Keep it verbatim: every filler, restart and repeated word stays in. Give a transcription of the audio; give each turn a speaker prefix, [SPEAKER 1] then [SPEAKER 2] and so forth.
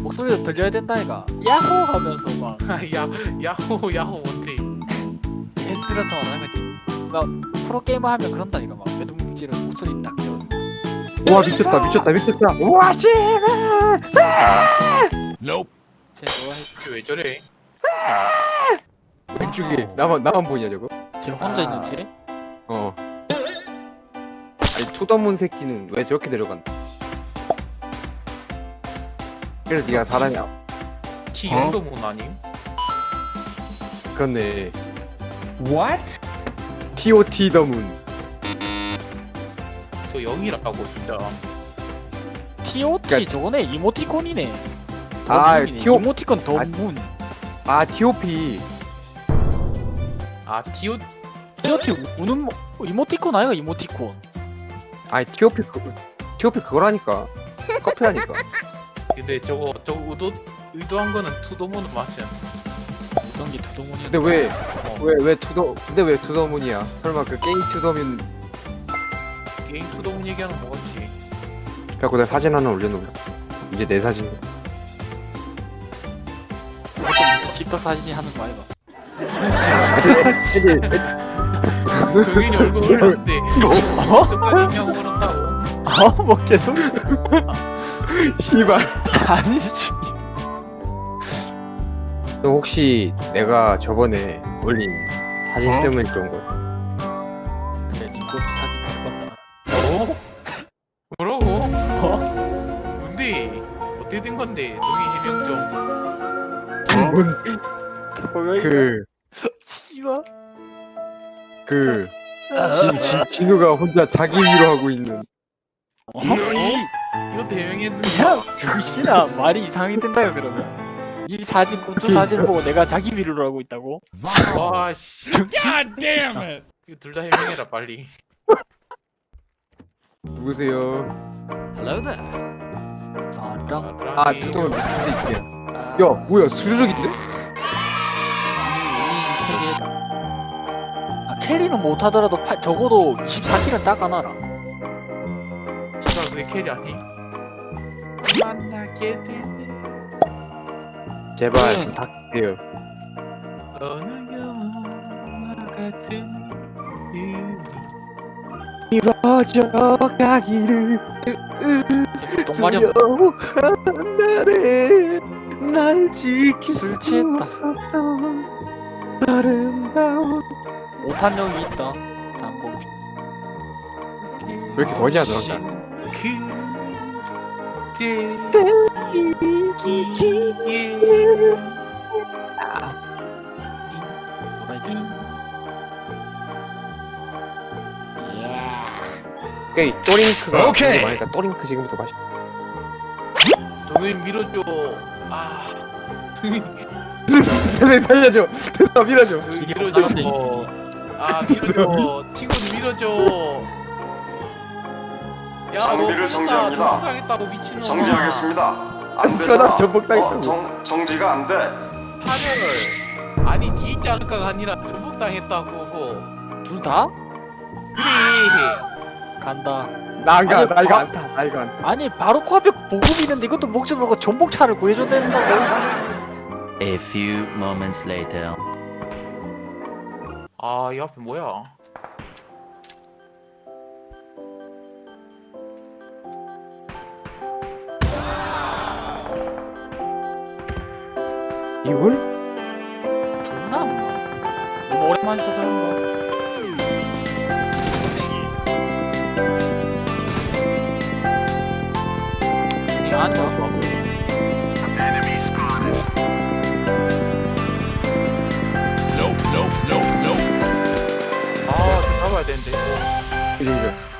[SPEAKER 1] 목소리도 들려야 된다 이가. 야호 하면서 막
[SPEAKER 2] 야 야호 야호 뭔데?
[SPEAKER 1] 팬들어서 하는 거지. 막 프로 게이머 하면 그런다 이가. 막 매듭지를 목소리 딱 들어.
[SPEAKER 3] 와 미쳤다 미쳤다 미쳤다. 와 씨발.
[SPEAKER 1] 쟤 뭐야?
[SPEAKER 2] 쟤왜 저래?
[SPEAKER 3] 왼쪽에 나만 나만 보이냐 저거?
[SPEAKER 1] 쟤 혼자 있는지?
[SPEAKER 3] 어. 아니 투더문 새끼는 왜 저렇게 내려간다? 그래서 네가 사람이야.
[SPEAKER 2] T 영도 못 아님?
[SPEAKER 3] 그렇네.
[SPEAKER 4] What?
[SPEAKER 3] 티오티 더문.
[SPEAKER 2] 저 영이라고 진짜.
[SPEAKER 1] 티오티
[SPEAKER 3] 그러니까-
[SPEAKER 1] 저거네 이모티콘이네.
[SPEAKER 3] 아,
[SPEAKER 1] 더문이네.
[SPEAKER 3] 티오-
[SPEAKER 1] 이모티콘 더문.
[SPEAKER 3] 아 티오피.
[SPEAKER 2] 아 티오
[SPEAKER 1] 티오티 우는 뭐 이모티콘 아이가 이모티콘.
[SPEAKER 3] 아니 티오피 그 티오피 그거라니까. 커피라니까.
[SPEAKER 2] 근데 저거 저거 의도 의도한 거는 투도모는 맞지?
[SPEAKER 1] 이런 게 두동문이.
[SPEAKER 3] 근데 왜
[SPEAKER 2] 어,
[SPEAKER 3] 왜 왜 투더 근데 왜 투더문이야? 설마 그 게임 투더문
[SPEAKER 2] 게임 투도문 얘기하는 거 같지?
[SPEAKER 3] 갖고 내가 사진 하나 올려놓을래? 이제 내 사진.
[SPEAKER 1] 집덕 사진이 하는 거 아이가.
[SPEAKER 2] 동현이 얼굴 올렸는데
[SPEAKER 1] 어?
[SPEAKER 2] 사진이냐고 그런다고.
[SPEAKER 1] 아뭐 계속
[SPEAKER 3] 씨발.
[SPEAKER 1] 아니지.
[SPEAKER 3] 너 혹시 내가 저번에 올린 사진
[SPEAKER 4] 어?
[SPEAKER 3] 때문에 그런 거야?
[SPEAKER 1] 그래 이거 사진 찍었다.
[SPEAKER 2] 어? 뭐라고?
[SPEAKER 1] 어?
[SPEAKER 2] 뭔데? 어떻게 된 건데? 동희 해명 좀.
[SPEAKER 3] 뭔
[SPEAKER 1] 뭐야 이거?
[SPEAKER 3] 그,
[SPEAKER 1] 씨발.
[SPEAKER 3] 그, 진, 진, 진우가 혼자 자기 위로하고 있는.
[SPEAKER 1] 어?
[SPEAKER 2] 이거 대명했는데.
[SPEAKER 1] 야, 정신아 말이 이상하게 된다요 그러면. 이 사진 고추 사진을 보고 내가 자기 비료를 하고 있다고?
[SPEAKER 2] 와 씨. God damn it. 이거 둘 다 해명해라 빨리.
[SPEAKER 3] 누구세요?
[SPEAKER 1] Hello there. 사랑.
[SPEAKER 3] 아, 두동은 미친데 있게. 야, 뭐야, 수르륵인데?
[SPEAKER 1] 캐리다. 아 캐리는 못하더라도 파, 적어도 이십사 킬은 닦아놔라.
[SPEAKER 2] 제가 그게 캐리 아니? 만나게 되네.
[SPEAKER 3] 제발,
[SPEAKER 1] 응.
[SPEAKER 3] 좀 닥치세요.
[SPEAKER 2] 어느 영화 같은 우리.
[SPEAKER 3] 이루어져 가기를
[SPEAKER 1] 똥마려.
[SPEAKER 3] 두려워한 날에 날 지킬
[SPEAKER 1] 술
[SPEAKER 3] 수
[SPEAKER 1] 취했다.
[SPEAKER 3] 없었던 아름다운.
[SPEAKER 1] 못한 적이 있다. 당공.
[SPEAKER 3] 왜 이렇게 더냐, 너랑
[SPEAKER 2] 그때 기기에
[SPEAKER 3] 오케이, 또링크가
[SPEAKER 4] 오케이.
[SPEAKER 3] 많으니까 또링크 지금부터 마시.
[SPEAKER 2] 동현 밀어줘. 아 동현
[SPEAKER 3] 선생님 살려줘. 됐어, 밀어줘.
[SPEAKER 2] 동현
[SPEAKER 1] 길이
[SPEAKER 2] 밀어줘.
[SPEAKER 1] 없다는데.
[SPEAKER 2] 아 밀어줘. 친구들 밀어줘. 야너
[SPEAKER 5] 장비를
[SPEAKER 2] 밀었다.
[SPEAKER 5] 정지합니다.
[SPEAKER 2] 정당했다고 미친놈아.
[SPEAKER 5] 정지하겠습니다. 안
[SPEAKER 3] 시원하게
[SPEAKER 5] 된다.
[SPEAKER 3] 전복당했다고.
[SPEAKER 5] 어, 정, 정지가 안 돼.
[SPEAKER 2] 파열. 아니 니 있지 않을까가 아니라 전복당했다고.
[SPEAKER 1] 둘 다?
[SPEAKER 2] 그래.
[SPEAKER 1] 간다.
[SPEAKER 3] 나 안 가,
[SPEAKER 1] 아니,
[SPEAKER 3] 나 이거
[SPEAKER 1] 바-
[SPEAKER 3] 안 타, 나 이거 안 타.
[SPEAKER 1] 아니 바로 코앞에 보급 있는데 이것도 목적 보고 전복차를 구해줘야 된다고.
[SPEAKER 6] A few moments later.
[SPEAKER 2] 아 이 앞에 뭐야?
[SPEAKER 3] 이걸?
[SPEAKER 1] 존나 안 나. 너무 오랜만에 써서 그런가. 이게 안 좋아.
[SPEAKER 2] 아, 저 잡아야 되는데.
[SPEAKER 3] 그죠, 그죠.